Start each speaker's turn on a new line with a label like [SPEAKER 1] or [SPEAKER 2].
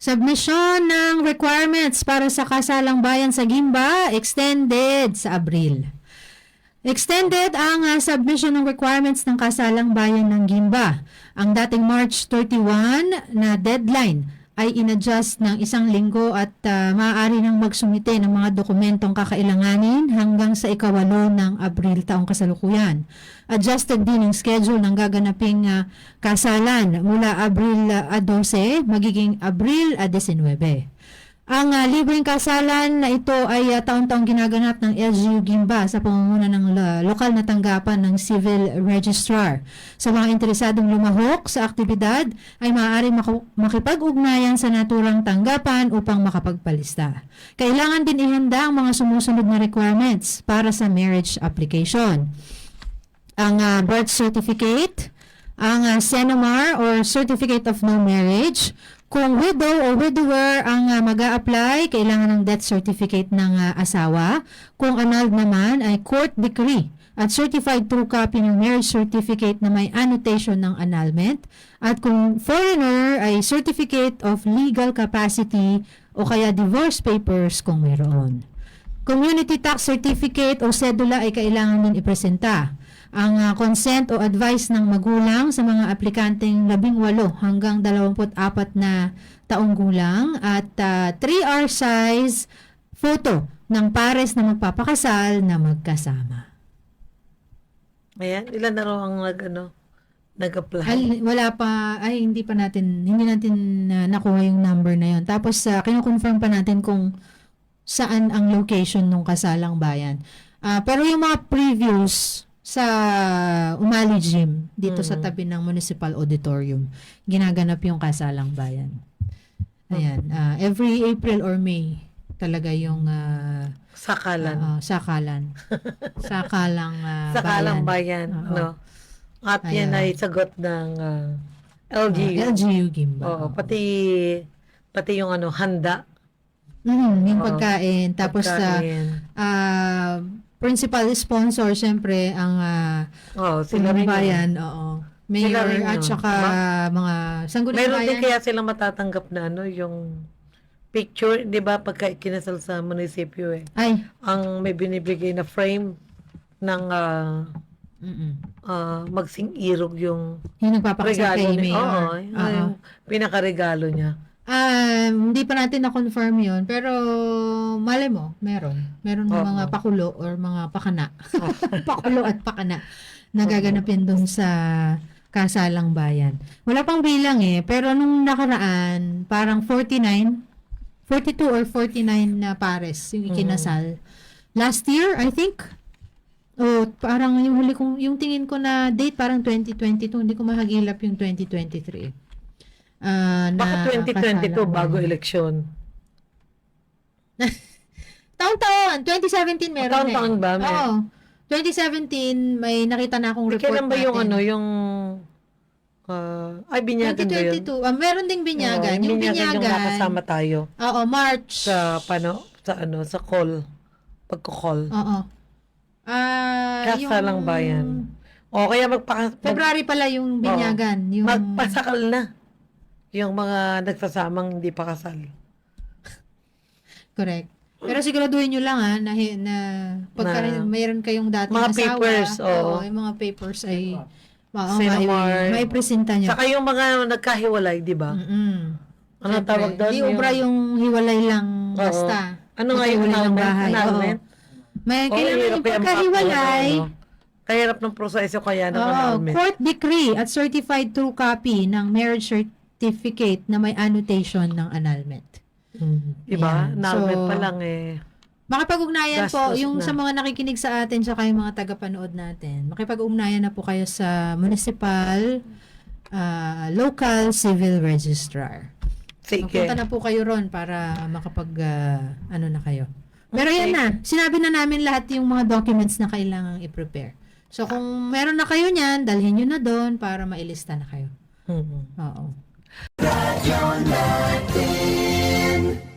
[SPEAKER 1] Submission ng requirements para sa kasalang bayan sa Gimba extended sa Abril. Extended ang submission ng requirements ng kasalang bayan ng Gimba. Ang dating March 31 na deadline ay inadjust ng 1 linggo at maaari nang magsumite ng mga dokumentong kakailanganin hanggang sa 8 ng Abril taong kasalukuyan. Adjusted din ang schedule ng gaganaping kasalan mula Abril 12 magiging Abril 19. Ang libreng kasalan na ito ay taon-taong ginaganap ng LGU Gimba sa pamumuno ng lokal na tanggapan ng Civil Registrar. Sa mga interesadong lumahok sa aktibidad ay maaari makipag-ugnayan sa naturang tanggapan upang makapagpalista. Kailangan din ihanda ang mga sumusunod na requirements para sa marriage application. Ang birth certificate, ang CENOMAR or Certificate of No Marriage. Kung widow o widower ang mag-a-apply, kailangan ng death certificate ng asawa. Kung annulled naman ay court decree at certified true copy ng marriage certificate na may annotation ng annulment. At kung foreigner ay certificate of legal capacity o kaya divorce papers kung mayroon. Community tax certificate o sedula ay kailangan din ipresenta. Ang consent o advice ng magulang sa mga aplikanteng 18 hanggang 24 na taong gulang at 3R size photo ng pares na magpapakasal na magkasama.
[SPEAKER 2] Ayan, ilan na raw ang nag-apply?
[SPEAKER 1] Wala pa, hindi natin nakuha yung number na yon. Tapos kino-confirm pa natin kung saan ang location ng kasalang bayan. Pero yung mga previews sa Umali Gym, dito sa tabi ng Municipal Auditorium, ginaganap yung kasalang bayan. Ayan, every April or May talaga yung
[SPEAKER 2] Sakalan.
[SPEAKER 1] Sakalang
[SPEAKER 2] bayan. No? At yan
[SPEAKER 1] Ayan.
[SPEAKER 2] ay sagot ng LGU.
[SPEAKER 1] LGU Gimba.
[SPEAKER 2] Oo, pati yung handa.
[SPEAKER 1] Yung pagkain. Tapos
[SPEAKER 2] Pagkain.
[SPEAKER 1] principal sponsor, syempre, ang
[SPEAKER 2] Sila rin
[SPEAKER 1] bayan.
[SPEAKER 2] yun.
[SPEAKER 1] Oo.
[SPEAKER 2] Sila
[SPEAKER 1] Mayor
[SPEAKER 2] rin
[SPEAKER 1] at
[SPEAKER 2] yun.
[SPEAKER 1] saka mga sangguniang
[SPEAKER 2] Meron din
[SPEAKER 1] bayan.
[SPEAKER 2] kaya silang matatanggap na yung picture, di ba, pagka kinasal sa munisipyo
[SPEAKER 1] Ay.
[SPEAKER 2] ang may binibigay na frame ng magsing irog yung
[SPEAKER 1] Yung nagpapakasal kay
[SPEAKER 2] regalo niya.
[SPEAKER 1] Mayor.
[SPEAKER 2] Oo, yung pinakaregalo niya.
[SPEAKER 1] Hindi pa natin na-confirm yun, pero mali mo, meron mga pakulo or mga pakana. Pakulo at pakana na gaganapin dun sa kasalang bayan. Wala pang bilang pero nung nakaraan, parang 42 or 49 na pares yung ikinasal. Last year, I think, parang yung tingin ko na date, parang 2022, hindi ko mahagilap yung 2023.
[SPEAKER 2] Baka 2022 bago eleksyon.
[SPEAKER 1] Taon-taon. 2017 meron
[SPEAKER 2] Taon-taon ba?
[SPEAKER 1] Oo. 2017 may nakita na akong report
[SPEAKER 2] Kailan ba yung
[SPEAKER 1] natin.
[SPEAKER 2] binyagan ba yun?
[SPEAKER 1] 2022. Meron ding binyagan. Yung binyagan.
[SPEAKER 2] Yung nakasama tayo.
[SPEAKER 1] Oo, March.
[SPEAKER 2] Sa call. Pagko-call.
[SPEAKER 1] Oo.
[SPEAKER 2] Kasalang bayan. O kaya
[SPEAKER 1] February pala yung binyagan. Yung
[SPEAKER 2] magpasakal na. Yung mga nagsasamang hindi pa kasal.
[SPEAKER 1] Correct. Pero siguraduhin nyo lang na pagka mayroon kayong dating
[SPEAKER 2] mga
[SPEAKER 1] asawa.
[SPEAKER 2] Papers,
[SPEAKER 1] yung mga papers ay
[SPEAKER 2] CENOMAR.
[SPEAKER 1] maipresenta nyo.
[SPEAKER 2] Saka yung mga nagkahiwalay, di ba? Ano tawag doon?
[SPEAKER 1] Di ubra yung hiwalay lang basta.
[SPEAKER 2] Ano nga yung annulment?
[SPEAKER 1] May kailangan yung pagkahiwalay.
[SPEAKER 2] Kahirap ng proseso kaya ng annulment.
[SPEAKER 1] Court decree at certified true copy ng marriage certificate na may annotation ng annulment.
[SPEAKER 2] Diba?
[SPEAKER 1] Ayan.
[SPEAKER 2] Annulment pa lang
[SPEAKER 1] Makipag-ugnayan po,
[SPEAKER 2] gastos
[SPEAKER 1] yung
[SPEAKER 2] na.
[SPEAKER 1] sa mga nakikinig sa atin tsaka yung mga tagapanood natin, makipag-ugnayan na po kayo sa municipal, local civil registrar.
[SPEAKER 2] Sige.
[SPEAKER 1] Magpunta na po kayo ron para makapag, na kayo. Pero yan na, sinabi na namin lahat yung mga documents na kailangang i-prepare. So kung meron na kayo niyan, dalhin nyo na doon para mailista na kayo. Oo.
[SPEAKER 3] Radyo natin.